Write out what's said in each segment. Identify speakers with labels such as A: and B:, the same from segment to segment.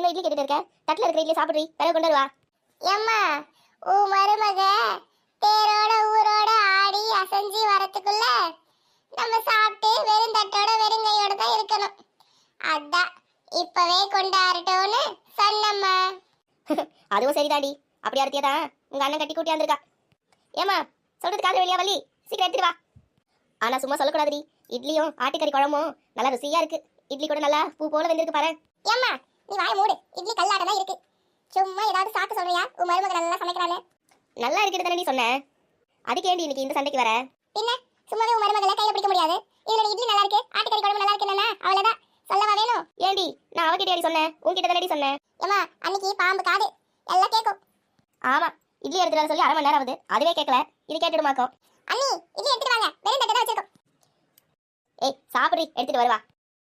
A: இவ்வளவு இட்லி கேட்டுட்டு இருக்க? தட்டுல இருக்கிற இட்லி சாப்பிடுறீ, பிறகு கொண்டு வருவா. ஏம்மா, உன் மருமக தேரோட ஊரோட ஆடி அசைஞ்சு வரத்துக்குள்ள நம்ம சாப்பிட்டு வெறும் தட்டோட வெறுங்கையோட தான் இருக்கணும். அதான் இப்பவே கொண்டாடட்டும்னு சொன்னம்மா. அதுவும் சரிதாடி. அப்படி அறுத்தியதான் உங்க அண்ணன் கட்டி கூட்டி வந்திருக்கா. ஏமா, சொல்றது காதுல வெளியா வள்ளி, சீக்கிரம் எடுத்துட்டு வா. ஆனா சும்மா சொல்லக்கூடாதுடி. இட்லியும் ஆட்டுக்கறி குழம்பும் நல்லா ருசியா இருக்கு. இட்லி கூட நல்லா பூ போல வெந்திருக்கு பாரு. ஏம்மா, நீ வாய மூடு. இட்லி கல்லாட்டம் தான் இருக்கு. சும்மா ஏதாவது சாக்கு சொல்றியா? உன் மருமக நல்லா சமைக்கிறானே. நல்லா இருக்குது தானே நீ சொன்ன. அதுக்கு ஏண்டி இன்னைக்கு இந்த சண்டைக்கு வர? பின்ன சும்மாவே உன் மருமகளை கையில பிடிக்க முடியாது. இதுல இட்லி நல்லா இருக்கு, ஆட்டுக்கறி குழம்பு நல்லா இருக்குன்னா அவ்வளவுதான். சொல்லவா வேணும்? ஏண்டி நான் அவகிட்ட சொன்னேன், உன்கிட்ட தானடி சொன்னேன். ஏமா, அன்னைக்கு பாம்பு காது எல்லாம் கேட்கும். ஆமா, இட்லி எடுத்துட்டு வர சொல்லி அரை மணி நேரம் ஆகுது, அதுவே கேட்கல. இது கேட்டுடுமாக்கும். அண்ணி, இட்லி எடுத்துட்டு வாங்க, வெறும் தட்டு தான் வச்சிருக்கோம். ஏய் சாப்பிடுறி, எடுத்துட்டு வருவா.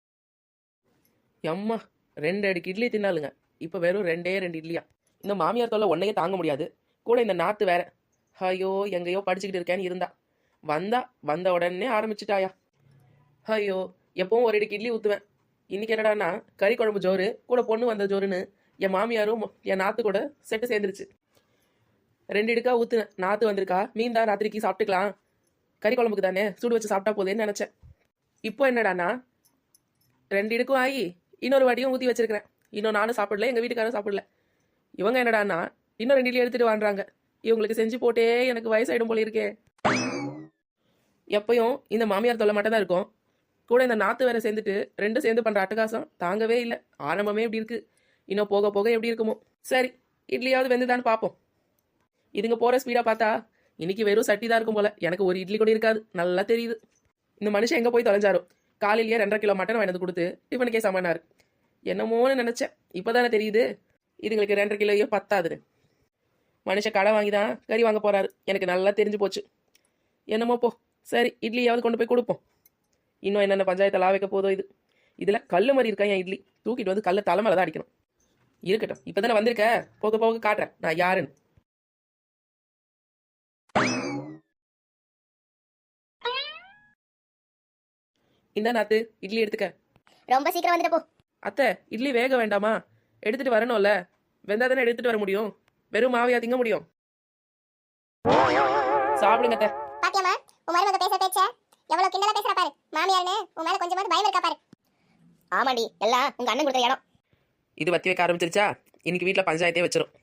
B: எம்மா 2 அடுக்கு இட்லி தின்னாலுங்க. இப்போ வெறும் 2 இட்லியா? இந்த மாமியார் தொல்லை ஒன்றையே தாங்க முடியாது. கூட இந்த நாத்து வேற. ஐயோ, எங்கேயோ படிச்சுக்கிட்டு இருக்கேன்னு இருந்தா வந்த உடனே ஆரம்பிச்சிட்டாயா. ஐயோ, எப்பவும் ஒரு அடுக்கு இட்லி ஊற்றுவேன். இன்னைக்கு என்னடான்னா கறி குழம்பு ஜோறு கூட பொண்ணு வந்த ஜோறுன்னு என் மாமியாரும் என் நாத்து கூட செட்டு சேர்ந்துருச்சு. 2 அடுக்கா ஊற்றுனேன். நாத்து வந்திருக்கா, மீன் தான் ராத்திரிக்கு சாப்பிட்டுக்கலாம், கறி குழம்புக்கு தானே சூடு வச்சு சாப்பிட்டா போதேன்னு நினச்சேன். இப்போ என்னடாண்ணா 2 அடுக்கும் ஆகி இன்னொரு வாட்டியும் ஊற்றி வச்சிருக்கிறேன். இன்னும் நானும் சாப்பிடல, எங்கள் வீட்டுக்காரும் சாப்பிடல. இவங்க என்னடான்னா இன்னும் 2 இட்லி எடுத்துகிட்டு வாங்குறாங்க. இவங்களுக்கு செஞ்சு போட்டே எனக்கு வயசாயிடும் போல இருக்கே. எப்பயும் இந்த மாமியார் தொல்லை மட்டும் தான் இருக்கும். கூட இந்த நாத்து வேற சேர்ந்துட்டு 2 சேர்ந்து பண்ணுற அட்டகாசம் தாங்கவே இல்லை. ஆரம்பமே இப்படி இருக்கு, இன்னும் போக போக எப்படி இருக்குமோ. சரி, இட்லியாவது வெந்துதான்னு பார்ப்போம். இதுங்க போகிற ஸ்பீடாக பார்த்தா இன்னைக்கு வெறும் சட்டி தான் இருக்கும் போல. எனக்கு ஒரு இட்லி கூட இருக்காது, நல்லா தெரியுது. இந்த மனுஷன் எங்கே போய் தொலைஞ்சாரோ. காலையிலேயே 2.5 கிலோ மட்டன் வாங்கிட்டு கொடுத்து டிஃபனுக்கே சமானாரு. என்னமோன்னு நினச்சேன், இப்போ தானே தெரியுது இதுங்களுக்கு 2.5 கிலோயோ பத்தாதுன்னு. மனுஷன் கடை வாங்கி தான் கறி வாங்க போகிறாரு, எனக்கு நல்லா தெரிஞ்சு போச்சு. என்னமோ போ, சரி இட்லியாவது கொண்டு போய் கொடுப்போம். இன்னும் என்னென்ன பஞ்சாயத்தை வைக்க போதோ இது. இதில் கல் மாதிரி இருக்கா என் இட்லி, தூக்கிட்டு வந்து கல்லை தலைமையில தான் அடிக்கணும். இருக்கட்டும், இப்போ தானே வந்திருக்க, போக போக காட்டுறேன் நான் யாருன்னு. இந்த நாத்து இட்லி எடுத்துக்க.
A: ரொம்ப சீக்கிரம் வந்துட்டு போ.
B: அத்தை, இட்லி வேக வேண்டாமா? எடுத்துட்டு வரணும்ல, வெந்தா தானே எடுத்துட்டு வர முடியும். வெறும் மாவையா திங்க முடியும்? சாப்பிடுங்க அத்தை.
A: பாத்தியம்மா, உன் மருமக பேச பேச்ச எவ்வளவு கிண்டலா பேசுற பாரு. மாமியார்னு உன் மேல கொஞ்சமாவது பயம் இருக்கா பாரு. ஆமாடி, எல்லாம் உங்க அண்ணன் கொடுத்த இடம்.
B: இது வத்தி வைக்க ஆரம்பிச்சிருச்சா, இன்னைக்கு வீட்டுல பஞ்சாயத்தே வச்சிரும்.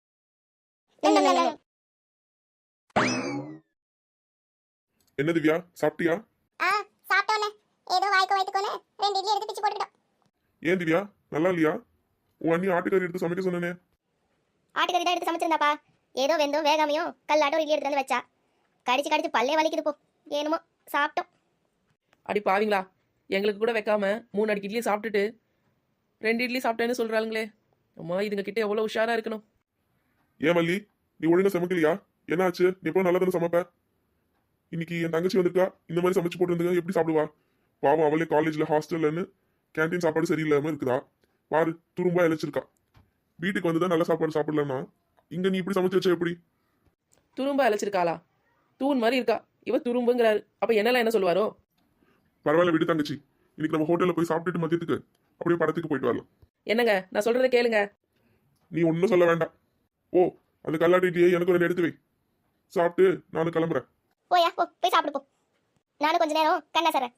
C: என்ன திவ்யா, சாப்பிட்டியா?
A: சாப்பிட்டோன்னே ஏதோ வாய்க்கு வயித்துக்கோன்னு 2 இட்லி எடுத்து பிச்சு போட்டுட்டோம்.
C: ஏன் திவ்யா, நல்லா இல்லையா? உன் அண்ணி ஆட்டுக்கறி எடுத்து சமைக்க சொன்னனே.
A: ஆட்டுக்கறி தான் எடுத்து சமைச்சிருந்தாப்பா. ஏதோ வெந்தும் வேகாமையும் கல்லாட்டம் இட்லி எடுத்து வந்து வச்சா. கடிச்சு கடிச்சு பல்லே வலிக்குது போ. ஏனுமோ சாப்பிட்டோம்.
B: அடி பாவீங்களா, எங்களுக்கு கூட வைக்காம 3 அடுக்கு இட்லி சாப்பிட்டுட்டு 2 இட்லி சாப்பிட்டேன்னு சொல்றாளுங்களே. அம்மா, இதுங்க கிட்ட எவ்வளவு உஷாரா இருக்கணும்.
C: ஏன் மல்லி, நீ ஒழுங்கா சமைக்கலையா? என்ன ஆச்சு? நீ எப்போ நல்லா தானே சமைப்ப. இன்னைக்கு என் தங்கச்சி வந்திருக்கா, இந்த மாதிரி சமைச்சு போட்டு வந்து எப்படி சாப்பிடுவா? பாவம், அவளே காலேஜ்ல ஹாஸ்டல்லன்னு கேன்டீன் சாப்பாடு சரியில்லாம இருக்குதா பாரு, துரும்பா இழைச்சிருக்கா. வீட்டுக்கு வந்துதான் நல்ல சாப்பாடு சாப்பிடலன்னா இங்க நீ இப்படி சமைச்சு வச்சா எப்படி?
B: துரும்ப அழைச்சிருக்காளா? தூண் மாதிரி இருக்கா, இவ துரும்புங்கிறாரு. அப்ப என்னெல்லாம் என்ன சொல்லுவாரோ?
C: பரவாயில்ல விடு தங்கச்சி, இன்னைக்கு நம்ம ஹோட்டல்ல போய் சாப்பிட்டுட்டு மதியத்துக்கு அப்படியே படத்துக்கு போயிட்டு வரலாம்.
B: என்னங்க, நான் சொல்றதை கேளுங்க.
C: நீ ஒன்னும் சொல்ல வேண்டாம். ஓ, அந்த கல்லாட்டு இட்லியை எனக்கு 2 எடுத்து வை. சாப்பிட்டு நானும் கிளம்புறேன்.
A: போயா போ, போய் சாப்பிடு போ. நானும் கொஞ்ச நேரம் கண்ணா சரேன்.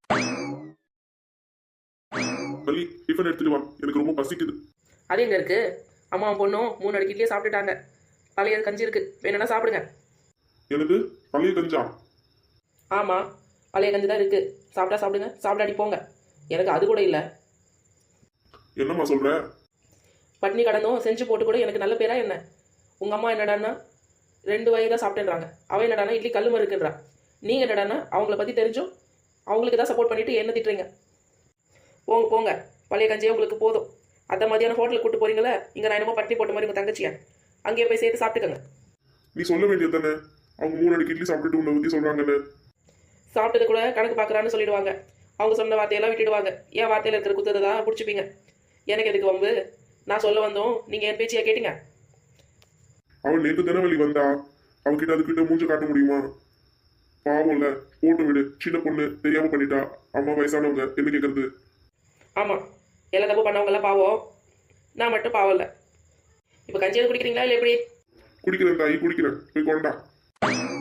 C: மல்லி, டிஃபன் எடுத்துட்டு வா, எனக்கு ரொம்ப பசிக்குது.
B: அது எங்க இருக்கு? அம்மா பொண்ணும் 3 அடுக்கு இட்லியே சாப்பிட்டுட்டாங்க. பழைய கஞ்சி இருக்கு, வேணும்னா சாப்பிடுங்க.
C: எனக்கு பழைய கஞ்சா?
B: ஆமா, பழைய கஞ்சி தான் இருக்கு. சாப்பிட்டா சாப்பிடுங்க, சாப்பிடாடி போங்க. எனக்கு அது கூட இல்லை.
C: என்னம்மா சொல்ற?
B: பட்னி கடந்தும் செஞ்சு போட்டு கூட எனக்கு நல்ல பேரா என்ன? உங்க அம்மா என்னடான்னா 2 வயது தான் சாப்பிட்டேன்றாங்க. அவன் என்னடானா இட்லி கல்லுமா இருக்குன்றா. நீங்க என்னடானா அவங்கள பத்தி தெரிஞ்சும் அவங்களுக்கு தான் சப்போர்ட் பண்ணிட்டு என்ன திட்டுறீங்க? போங்க போங்க, பழைய கஞ்சியே உங்களுக்கு போதும். அத்தை மதியானம் ஹோட்டலுக்கு கூட்டு போறீங்களா? இங்க நான் என்னமோ பட்டி போட்ட மாதிரி உங்க தங்கச்சியா, அங்கேயே போய் சேர்த்து சாப்பிட்டுக்கோங்க.
C: நீ சொல்ல வேண்டியது தானே, அவங்க 3 அடுக்கு இட்லி சாப்பிட்டுட்டு உன்னை பத்தி சொல்றாங்கன்னு.
B: சாப்பிட்டது கூட கணக்கு பார்க்குறான்னு சொல்லிடுவாங்க. அவங்க சொன்ன வார்த்தையெல்லாம் விட்டுடுவாங்க. என் வார்த்தையில் இருக்கிற குத்தத்தை தான் பிடிச்சிப்பீங்க. எனக்கு எதுக்கு வம்பு? நான் சொல்ல வந்தோம், நீங்க என் பேச்சியா கேட்டீங்க?
C: அவள் நேற்று தினவெளி வந்தா, அவகிட்ட அதுக்கிட்ட மூஞ்ச காட்ட முடியுமா? பாவம்ல, போட்டு விடு. சின்ன பொண்ணு தெரியாம பண்ணிட்டா, அம்மா வயசானவங்க என்ன கேட்கறது?
B: ஆமா, எல்லா தப்பு பண்ணவங்க எல்லாம் பாவம். நான் மட்டும் பாவம் இல்லை. இப்போ கஞ்சியாவது குடிக்கிறீங்களா இல்லை எப்படி?
C: குடிக்கிறேன் தாயி, குடிக்கிறேன். போய் கொண்டா.